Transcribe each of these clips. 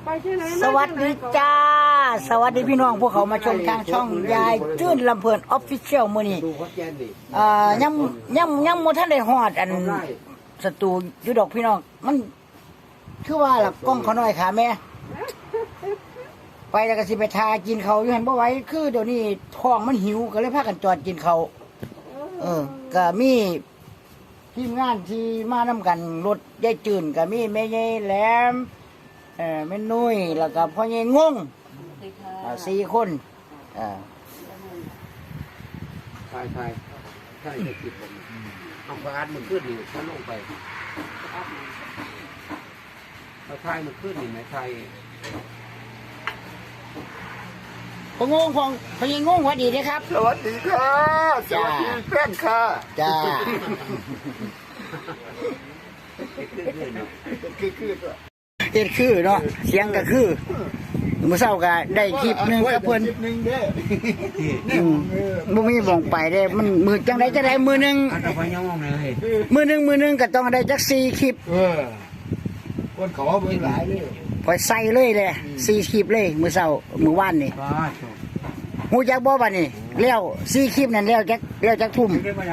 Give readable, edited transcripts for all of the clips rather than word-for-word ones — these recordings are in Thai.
สวัสดีจ้าสวัสดีพี่น้องพวกเขามาชมทางช่องยายจื้นลำเพลินออฟฟิเชียลมื้อนี้ยังโมท่านได้ฮอดอันสตูอยู่ดอกพี่น้องมันคือว่าล่ะกล้องเขาน้อยค่ะแม่ไปแล้วก็สิไปทากินเขาอยู่หันบ่ไหวคือเดี๋ยวนี้ท้องมันหิวก็เลยพากันจอดกินเขาก็มีทีมงานที่มานํกันรถยายจื้นก็มีแม่ใหญ่แหลมแม่นุ้ยแล้วก็พ่อใหญ่งง4 คนใช่จะคิดผมเอาประกาศมันขึ้นนี่เขาลงไปเราไทยมันขึ้นนี่ไหมไทยพ่องงพ่อใหญ่งงสวัสดีนะครับสวัสดีค่ะสวัสดีแฟนค่ะจ้าเฮ็ดคือเนาะเสียงก็คือมื้อเช้าก็ได้คลิปนึงกับเพิ่นบ่มีบ่งไปเด้มันมือจังได๋จะได้มือนึงมือนึงก็ต้องได้จัก4คลิปคนขอเบิ่งหลายเลยพอใส่เลยแหละ4คลิปเลยมื้อเช้ามื้อวานนี่ฮู้จักบ่บัดนี้แล้ว4คลิปนั่นแล้วจักทุ่ม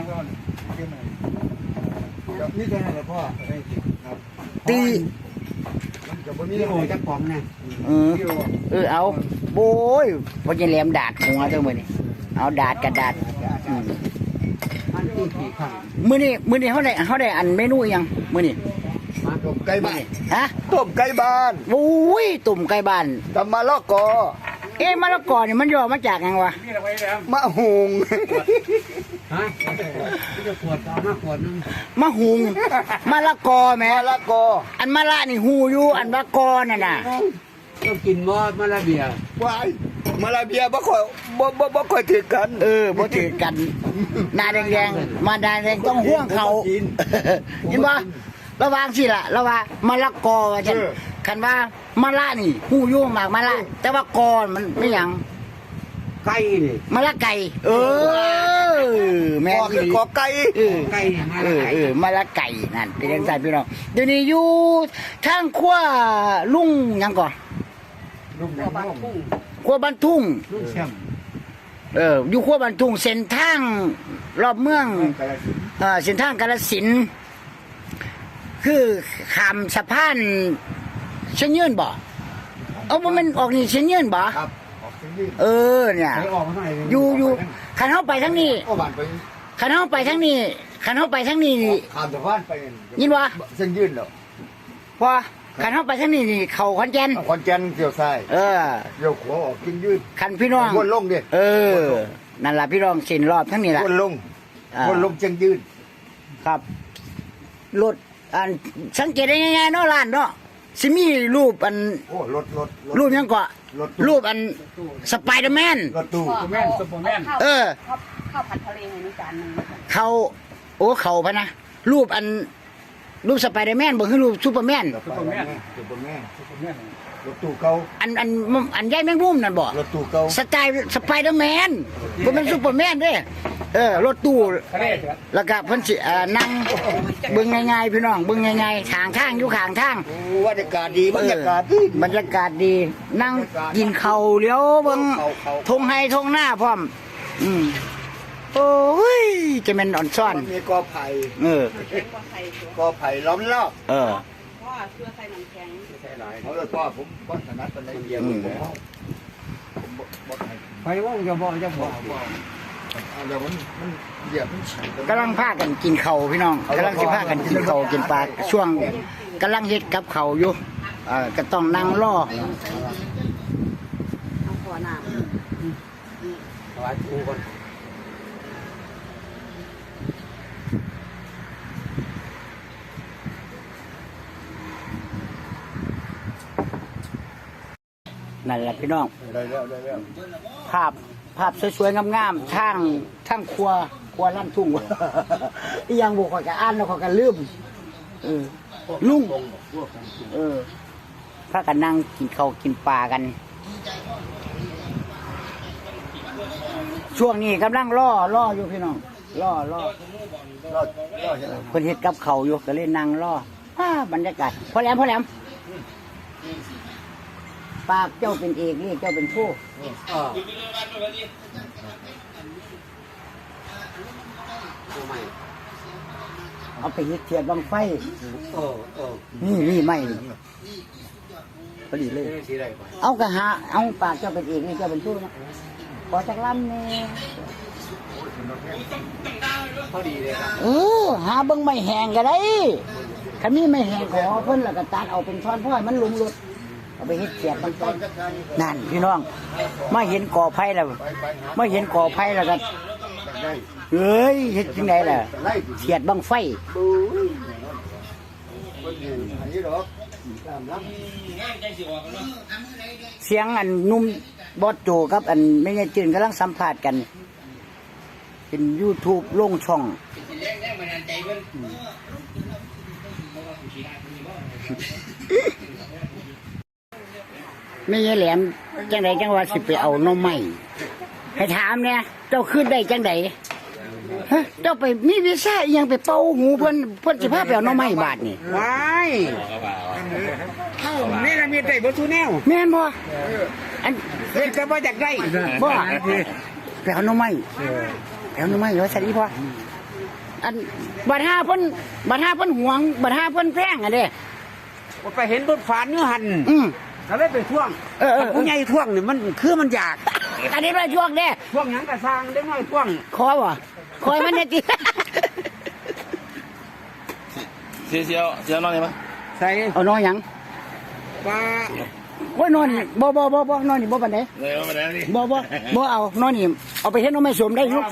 นี่จะให้พ่อตีนี่โอ้ยจักปอมนะเอาโอ้ยพอจะแหลมดาดหัวเท่ามื้อนี้เอาดาดกระดาษอันที่กี่ครั้งมื้อนี้เฮาได้อันเมนูอีหยังมื้อนี้ต้มไก่บ้านฮะต้มไก่บ้านโอ้ยตุ่มไก่บ้านตำมะละกอมะละกอนี่มันย่อมาจากหยังวะมะฮุงฮะจะขวดเอามาขวดนึงมะฮุงมะละกอแม่มะละกออันมะละนี่ฮู้อยู่อันมะกอนั่นน่ะต้องกินมะละเบียว้ายมะละเบียบ่ค่อยถือกันบ่ถือกันหน้าแดงๆมาหน้าแดงต้องห่วงเขาเห็นบ่ระวังสิล่ะระวังมะละกอว่าซั่นคันว่ามะละนี่ฮู้อยู่มากมะละแต่ว่ากอมันไม่หยังไก่นี่มะละไก่แม่คือกอไก่ไก่มะละไก่นั่นเป็นจังซั่นพี่น้องเดี๋ยวนี้อยู่ทางขั้วลุงหยังก่อนลุงบ้านทุ่งขั้วบ้านทุ่งลุงแชมอยู่ขั้วบ้านทุ่งเส้นทางรอบเมืองเส้นทางกาฬสินธุ์คือข้ามสะพานเชียงยืนบ่เอาบ่แม่นออกนี่เชียงยืนบ่ครับเนี่ยอยู่คันเฮาไปทางนี้คันเฮาไปทางนี้ข้ามสะพานไปยินบ่เส้นยืนแล้วพอคันเฮาไปทางนี้นี่เข้าขอนแก่นเกี่ยวซ้ายเกี่ยวขวาออกกินยืนคันพี่น้องวนลงดินั่นล่ะพี่น้องเส้นรอบทั้งนี้ล่ะวนลงเชียงยืนครับรถอันสังเกตได้ง่ายๆเนาะร้านเนาะสิมีรูปอันรูปยังเกาะรูปอันสไปเดอร์แมนรถตู้ซูเปอร์แมนข้าวผัดทะเลในจานนึงเขาพะนะรูปสไปเดอร์แมนบ่คือรูปซูเปอร์แมนรถตู้เก่าอันใหญ่แมงมุมนั่นบ่รถตู้เก่าสไตล์สไปเดอร์แมนบ่เป็นซูเปอร์แมนเด้รถตู้แล้วก็เพิ่นสินั่งเบิ่งง่ายๆพี่น้องเบิ่งง่ายๆทางอยู่ข้างทางบรรยากาศดีบรรยากาศดีนั่งกินข้าวเลี้ยวเบิ่งทงไห้ทงหน้าพร้อมโอ้ยจะแม่นอ่อนซ่อนมีกอไผ่กอไผ่ล้อมรอบพ่อเสื้อใส่หนังแข็งใส่หลายเขาเลยพ่อผมถนัดเป็นอะไรเดียวไปว่าจะบอกกำลังพากันกินเข่าพี่น้องกำลังสิพากันกินเข่ากินปลาช่วงกำลังเฮ็ดกับเข่าอยู่ก็ต้องนั่งรอขอน้ำถวายครูก่อนนั่นแหละพี่น้องได้แล้วภาพสวยๆงามๆทั้งครัวลั่นทุ่งอีหยังบ่ค่อยก็อ่านแล้วค่อยก็ลืมลุงพากันนั่งกินข้าวกินปลากันช่วงนี้กำลังล่ออยู่พี่น้องล่อเพิ่นเฮ็ดกับข้าวอยู่ก็เลยนั่งล่อบรรยากาศพอแหลมปากเจ้าเป็นเอกเรียกเจ้าเป็นผู้ทำไมเอาไปเฮ็ดเทียนบังไฟเออนี่ไม่พอดีเลยสีอะไรไปเอากระหาเอาปากเจ้าเป็นเอกเรียกเจ้าเป็นผู้นะขอจักลำนี่พอดีเลยครับหาเบิ่งไม่แห้งก็ได้คันนี้ไม่แห้งขอเพิ่นแล้วก็ตัดเอาเป็นท่อนพ่อยมันลุมรถเอาไปเฮ็ดเสียบบังไฟนั่นพี่น้องมาเห็นก่อไผ่แล้วมาเห็นก่อไผ่แล้วก็เอ้ยเฮ็ดจังไดล่ะเสียดบังไฟเสียงอันนุ่มบอสโจกับอันไม่ใช่จืนกำลังสัมภาษณ์กัน เป็น YouTube ลงช่องไม่ใช่แหลมจังไดจังว่าสิไปเอาหน่อไม้ให้ถามเนี่ยเจ้าขึ้นได้จังไดฮะเจ้าไปมีวีซ่าอีหยังไปเป่าหูเพิ่นสิพาไปเอาหน่อไม้บาทนี่ว้ายเข้านี่ละมีได้บทุแนวแม่นบ่อันเฮ็ดก็บ่อยากได้บ่ไปเอาหน่อไม้ไปเอาหน่อไม้ว่าซั่นอีพ่ออันบัดหาเพิ่นหวงบัดหาเพิ่นแพงอ่ะเด้ไปเห็นรถฝานอยู่หั่น ก็เลยไปท่วง ผู้ใหญ่ท่วงนี่มันคือมันอยากอันนี้ด้วยช่วงเด้ท่วงหยังกระสร้างเด็กน้อยท่วงคอบ่คอยมันเนี่ยติเสียวนอนได้ปะใส่เอานอนหยังปลาโอ้ยนอนนี่บ่นอนนี่บ่ปานใดเลยมาแล้วนี่บ่เอานอนนี่เอาไปเฮ็ดหน่อไม้สมได้ลูก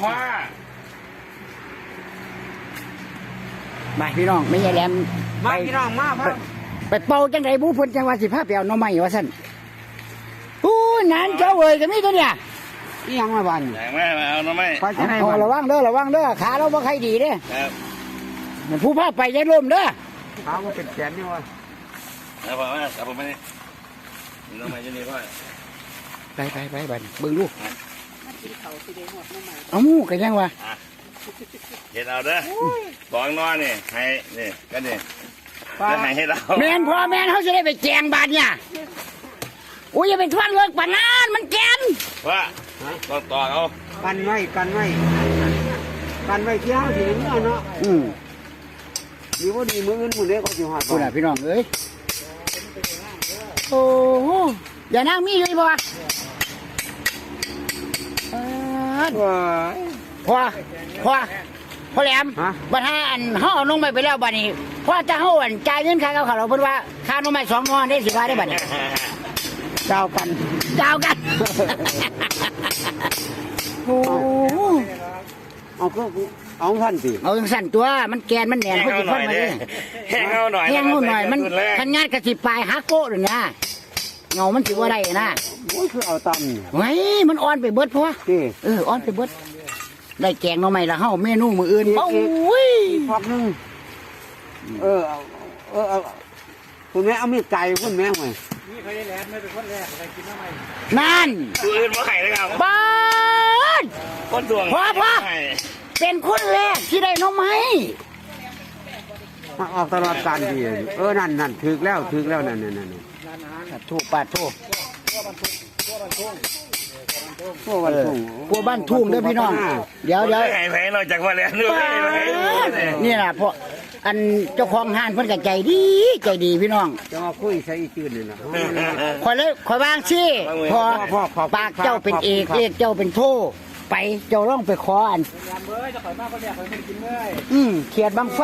มาพี่น้องไม่ใช่แหลมมาพี่น้องมาพ่อไปเป่าจังไดผู้เพิ่นจังว่าสิพาไปเอาหน่อไม้ว่าซั่นโอ้ยนานเจ้าเอ้ยก็มีตัวเนี่ยนี่ยังมาบ้านแรงแม่มาเอาหน่อไม้ไปที่ไหนเอาบ้านระวังเด้อขาเราบ่ค่อยดีเด้ครับมันผู้พาไปอย่าล้มเด้อถามว่าเป็นแสนนี่วะแล้วผมว่าเอาผมไม่ได้หน่อไม้จะนี่พ่อไปบัดเบิ่งลูกมากินเขาสิได้หอดน้ำใหม่เอาหมู่ก็ยังว่าเห็ดเอาเด้อบอกนอนนี่ให้นี่ก็นี่จะให้ให้เราแม่นพ่อแม่นเฮาสิได้ไปแจงบาดเนี่ยโอ้ยอย่าไปทวงเลิกปานนั้นมันแกนว่าต่อเอากันไว้เที่ยวสิเมื่อเนาะดีว่าดีมื้ออื่นมื้อเด็กก็สิหอดคุณน่ะพี่น้องเอ้ยโอ้โหอย่านั่งมีอยู่อีบ่วะว้าพ่อแหลมบัดหาอันเฮาเอาลงไปแล้วบัดนี้พอจะเฮาอันจ่ายเงินค่ากับเขาเราเพิ่นว่าค่าน้ำไม้2งอนได้สิว่าได้บัดนี้เจ้ากันโอ้โหเอาก็เอาท่านสิเอาจังสั่นตัวมันแกนมันแหนนแห้งเพิ่นเอาสิหน่ฟัอยนมาเด้ดิแห้งเอาหน่อยแห้งเอาหน่อยมันทันงานกระสิปลายหักโกะหรือนะเงามันสิว่าได้นะโอ้ยคือเอาตำไว้มันอ่อนไปเบิดพอที่อ่อนไปเบิดได้แกงหน่อไม้ละเฮาเมนูมื้ออื่นโอ้ยพักนึงเอาคุณแม่เอามีดไก่คุณแม่ห่วยนั่นตัวอื่นมาไข่เลยครับบ้านคนดวงพ่อเป็นคนแรกที่ได้หน่อไม้ออกตลอดการดีนั่นถึกแล้วนั่นถูกปาดถูกพวกวันทุ่งกลัวบ้านทุ่งเด้อพี่น้องเดี๋ยวไข่แพงนอกจากว่าแล้วด้วยนี่ล่ะเพราะอันเจ้าของห้านเพิ่นก็ใจดีพี่น้องจะมาคุยใส่อีจืดนี่นะขอยวางซี่พอปากเจ้าเป็นเอกเรียกเจ้าเป็นโทไปเจ้าร้องไปขออันเขียดบังไฟ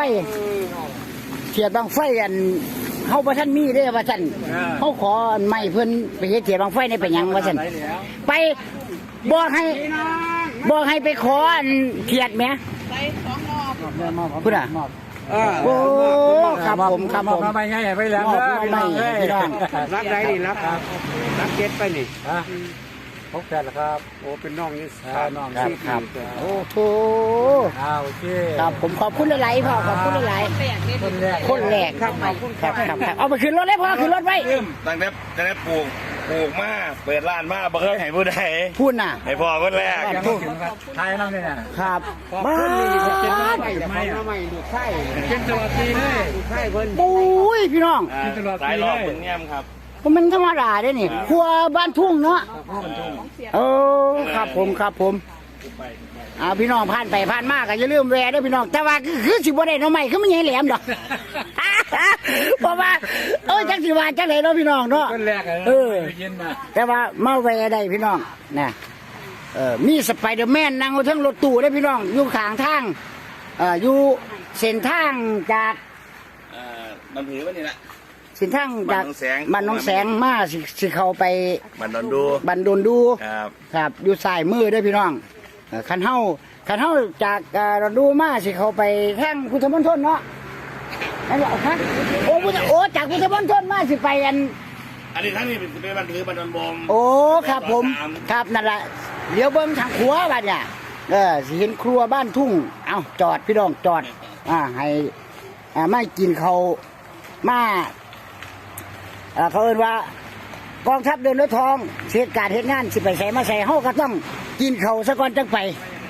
อันเฮาบ่ทันมีเด้อว่าซั่นเฮาขออันใหม่เพิ่นไปเฮ็ดเขียดบังไฟได้ไปหยังว่าซั่นไปบอกให้ไปขออันเขียดแหมใส่2รอบพุ่นน่ะโอ้ครับผมไปไงไปแล้วไม่พี่น้องรับได้ดิรับเก็ตไปนี่พบกันแล้วครับโอ้เป็นน้องนี่น้องครับโอ้โถโอเคครับผมขอบคุณหลายๆพ่อขอบคุณหลายแปลกเลยๆคนแรกครับเอาไปขึ้นรถเลยพ่อขึ้นรถไว้ตั้งแต่ปลูกมาเปิดร้านมาบ่เคยให้ผู้ใดพูดน่ะให้พ่อคนแรกไทยน้ำเนี่ยครับบ้าไม่ดูไข่กินตลอดปีเลยดูไข่เพิ่นปุ้ยพี่น้องสายรอบเพิ่งแง้มครับมันธรรมดาเด้นี่ครัวบ้านทุ่งเนาะของเสียโอ้ครับผมพี่น้องผ่านไปผ่านมาก็อย่าลืมแวะเด้อพี่น้องแต่ว่าคือสิบ่ได้หน่อไม้คือมันใหญ่แหลมดอก เพราะว่าจังสิว่าจังไดเนาะพี่น้องเนาะคนแรกเลยเออเย็นมาแต่ว่ามาแวะได้พี่น้องนะมีสไปเดอร์แมนนั่งอยู่เทั้งรถตู้ได้อพี่น้องอยู่ข้างทางอยู่เส้นทางจากมันถือว่านี่แหละเส้นทางจากบ้านหนองแสงบ้านหนองแสงมาสิเข้าไปมันโดนดูบันโดนดูครับครับอยู่ซ้ายมือเด้อพี่น้องคันเฮาจากดูมาสิเข้าไปทางพุทธมณฑลเนาะนั่นแหละครับจากพุทธมณฑลมาสิไปอันอันนี้ทั้งนี้เป็นบันถือบันโดนบมโอ้ครับผมครับนั่นแหละเดี๋ยวเบิ้งทางครัวบ้านเนี่ยสิเห็นครัวบ้านทุ่งเอาจอดพี่น้องจอดให้ไม่กินเขามาเขาเอิ้นว่ากองทัพเดินรถทองเสียการเฮ็ดงานสิไปใส่มาใส่เฮาก็ต้องกินเขาซะก่อนจังไป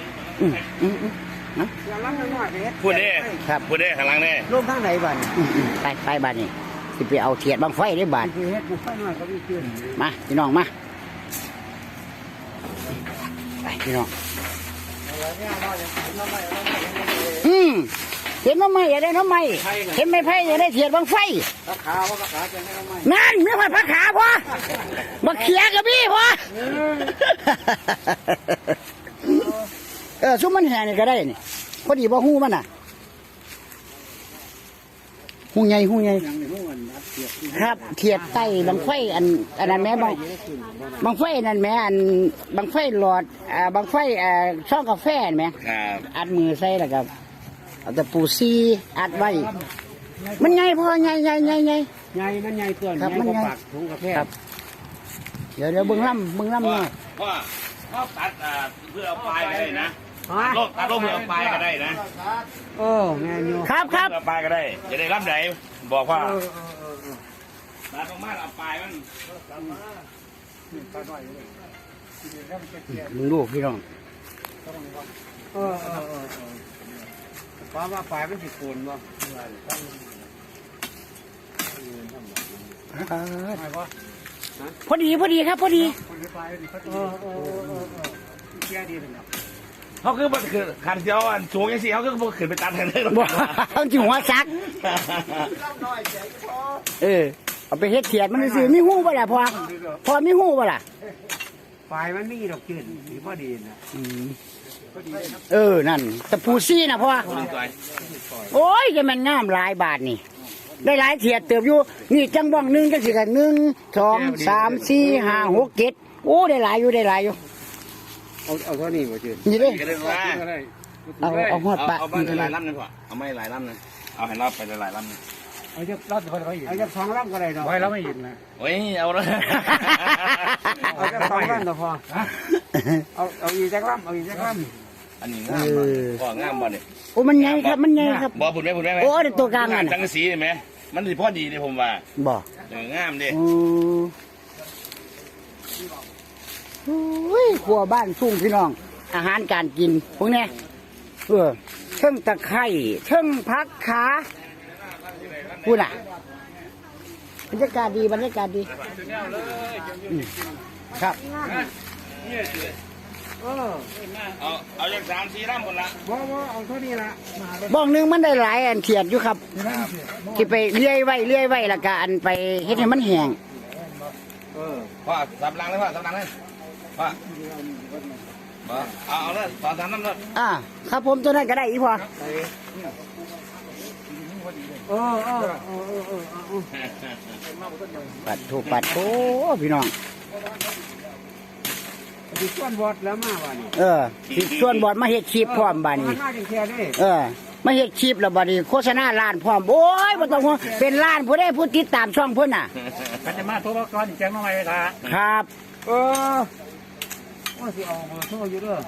พูดได้ครับพูดได้ข้างหลังนี่ลงทางไหนบ้านไปบ้านนี้สิไปเอาเทียดบังไฟได้บ้านคือเฮ็ดบุฟเฟ่หน่อยก็มีขึ้นมาพี่น้องมาไปพี่น้องเห็นน้ำไม้อย่าได้น้ำไม้เห็นไม่ไผ่อย่าได้เทียดบังไฟราคาว่าราคาจะให้เราไหมนั่นไม่ค่อยพักขาพอบักเขียกับพี่พอซุ้มมันแห่นี่ก็ได้นี่พอดีบ่หูมันน่ะหูใหญ่อย่างในห้องอันนัดเสียบครับเทียบใต้บังไฟอันนั้นแม่บังไฟนั่นแม่อันบังไฟหลอดบังไฟช่องกาแฟนแม่ครับอัดมือใส่แล้วก็เอาแต่ปูซีอัดไว้มันใหญ่พอใหญ่ใหญ่มันใหญ่เกินครับมันใหญ่ปากถุงกาแฟครับเดี๋ยวเบิ่งล่ำหน่อยว่าตัดเพื่อเอาปลายก็ได้นะตัดลงเพื่อเอาปลายก็ได้นะแม่นอยู่ครับเพื่อเอาปลายก็ได้จะได้รับไหนบอกว่าตัดลงมาเอาปลายมันมึงลูกพี่น้องป้าว่าปลายมันสิโกนบ่พอดีครับพอดีเสียดีเลยครับเขาคือมันคือขันเสียวอันสูงยังสิเขาคือมันขึ้นไปตัดทางได้หรอบ่เอาจิหัวซักเอาไปเฮ็ดเทียดมันซื้อมีหูบ่ล่ะพอมีหูบ่ล่ะปลายมันมีดอกจืดสีพอดีนะนั่นแต่ปูซี่นะพ่อโอ้ยจะมันงามหลายบาทนี่ได้หลายเทียดเติบอยู่นี่จังบ้องหนึ่งจังสิกัน1 2 3 4 5 6 7โอ้ได้หลายอยู่เอาเท่านี้บ่จืดนี่เด้ก็ได้ว่าเอาหอดปะเอาไปหลายลำนึงก่อนเอาไม่หลายลำนึงเอาให้รับไปหลายลำนึงเอาจะรับคนเขาอีกเอาจาก2ลำก็ได้ดอกไว้แล้วไม่ยินนะโอ้ยเอาละเอาจาก2ลำก็พอเอาอีกจากลำเอาอีกจากลำอันนี้งามบ่งามบ่เนี่ยโอ้มันใหญ่ครับบ่พุ่นไหมโอ้ได้ตัวกลางนั่นจังสีไหมมันสิพอดีเลยผมว่าบ่งามดิโอ้ยครัวบ้านทุ่งพี่น้อง อาหารการกินพวกนี้เชิงตะไคร้เชิงพักขาพูดน่ะบรรยากาศดีครับเอาจาก3-4ลำหมดละบ่เอาเท่านี้ละบ้องหนึงมันได้หลายอันเขียดอยู่ครับที่ไปเลื่อยไว้แล้วก็อันไปเฮ็ดให้มันแห้งพ่อสับลังเลยพ่อสับลังเลยพ่อเอาเลย2-3ลำเลยครับผมตัวนั้นก็ได้อีพอปัดโถพี่น้องสิส่วนบอดแล้วมาว่านี่สิส่วนบอดมาเฮ็ดคลิปพร้อมบัดนี้มาจังแค่นี้มาเฮ็ดคลิปแล้วบัดนี้โฆษณาร้านพร้อมโอ้ยบ่ต้องห่วงเป็นร้านผู้ใดผู้ติดตามช่องเพิ่นน่ะกันจะมาโทรก่อนแจ้งมาใหม่ละครับว่าสิเอาเบอร์โทรอยู่เด้อ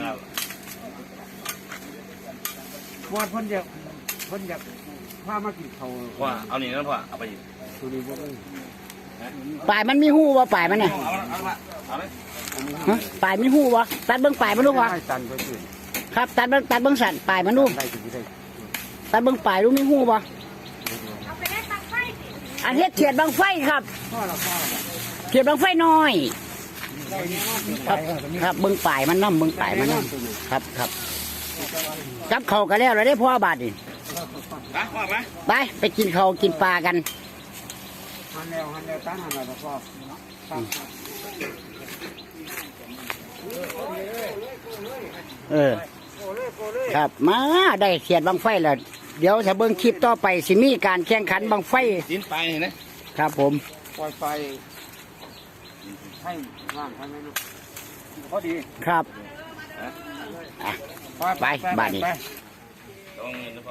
วอดเพิ่นอยากพามากินข้าวพ่อเอานี่นะพ่อเอาไปตัวนี้บ่ได้ปลายมันมีหูบ่ปลายมันน่ะเอาเลยฮะปลายมีหูบ่ตัดเบิ่งปลายมันดูบ่ให้ตันเพิ่นสิครับตัดเบิ่งสั่นปลายมันดูได้สิได้ตัดเบิ่งปลายดูมีหูบ่อันเฮ็ดเขียดบังไฟครับเขียดบังไฟน้อยครับครับเบิ่งป่ายมันน้ำเบิ่งป่ายมันน้ำครับครับจับเขากันแล้วเราได้พ่อบาทนี่มาพ่อมาไปกินเขาวกินปลากันหันแล้วตั้งหันแล้วพ่อครับมาได้เขียดบังไฟแล้วเดี๋ยวถ้าเบิ่งคลิปต่อไปสิมีการแข่งขันบังไฟดินไปนี่นะครับผมปล่อยไฟให้ว่างให้ไหมลูกพอดีครับไปบ้านนี้ต้องเงินนะพ่อ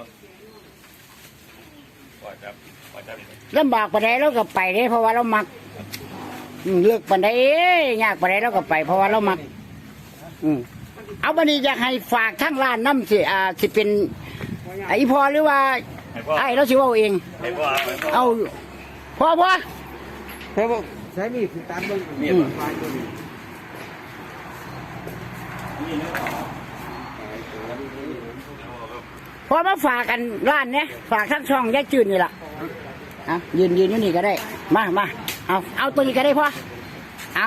ปล่อยจับลำบากปานใดเราก็ไปเด้เพราะว่าเรามักเลือกปานใดยากปานใดเราก็ไปเพราะว่าเรามักเอาบัดนี้อยากให้ฝากทั้งร้านน้ำสิเป็นไอ้พอหรือว่าให้พ่อไอ้เราสิเว่าเองให้พ่อเอาพอเฮ้ยบอกใช้มีดตัดเบิ้งมีดไฟตัวนี้พอมาฝากกันร้านเนี้ยฝากทั้งช่องยายจืดนี่ล่ะเอายืนอยู่นี่ก็ได้มาเอาตัวนี้ก็ได้พ่อเอา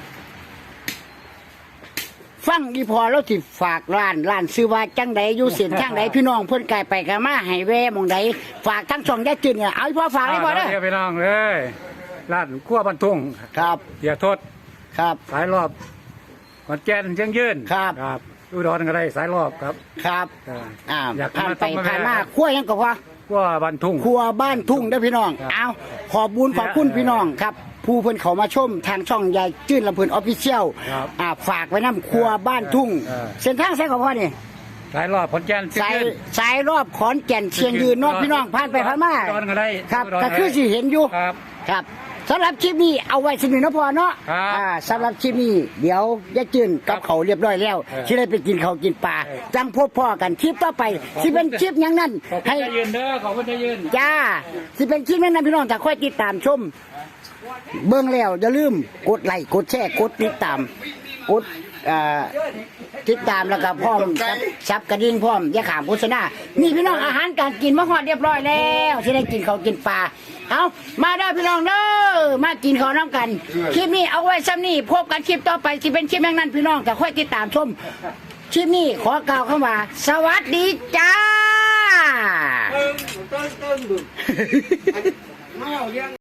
ฟังดีพอแล้วสิฝากร้านซื้อว่าจังใดอยู่เส้นทางใดพี่น้องเพิ่นไกลไปกันมาให้แวหมองใดฝากทั้งช่องยายจืดเนี่ยเอาให้พ่อฝากให้พ่อเด้อเดี๋ยวไปน้องเลยร้านขั้วบรรทุงครับเดี๋ยวโทษครับสายรอบขอนแก่นเชียงยืนครับครับอุดรก็ได้สายรอบครับครับอยากผ่านไปมาผ่านมาขั้วยังก็พอขั้วบรรทุงครัวบ้านทุ่งเด้อพี่น้อง เอาขอบบุญขอบคุณพี่น้องครับ ผู้เพิ่นเขามาชมทางช่องยายจื้นลำเพิ่นออฟฟิเชียลครับฝากไว้น้ำครัวบ้านทุ่ง เส้นทางสายของพ่อนี่สายรอบขอนแก่นเชียงสายยืนสายรอบขอนแก่นเชียงยืนเนอกพี่น้องผ่านไปผ่านมาอุดรก็ได้ครับอุดรก็คือสิเห็นอยู่ครับครับสำหรับคลิปนี้เอาไว้สนิทนะพ่อเนาะครับสำหรับคลิปนี้เดี๋ยวยายจื้นกับเขาวเรียบร้อยแล้วที่ได้ไปกินเขาวกินปลาจังพบพ่อกันคลิปต่อไปที่เป็นคลิปอย่างนั้นขอบคุณให้จะยืนเด้อขอบคุณจะยืนจ้าสิเป็นคลิปนั้นนะพี่น้องถ้าค่อยติดตามชม เบิ่งแล้วอย่าลืมกดไลค์กดแชร์กดติดตามกดติดตามแล้วก็พร้อมซับกระดิ่งพร้อมอย่าขามโฆษณานี่พี่น้องอาหารการกินมาฮอดเรียบร้อยแล้วที่ได้กินเขาวกินปลาเอามาได้อพี่น้องเด้อมากินข้าวน้ำกันคลิปนี้เอาไว้ซ้ำนี่พบกันคลิปต่อไปสิเป็นคลิปอย่างนั้นพี่น้องแต่ค่อยติดตามชมคลิปนี้ขอกล่าวคำว่าสวัสดีจ้าต้นดุมาเอาเลี้ยง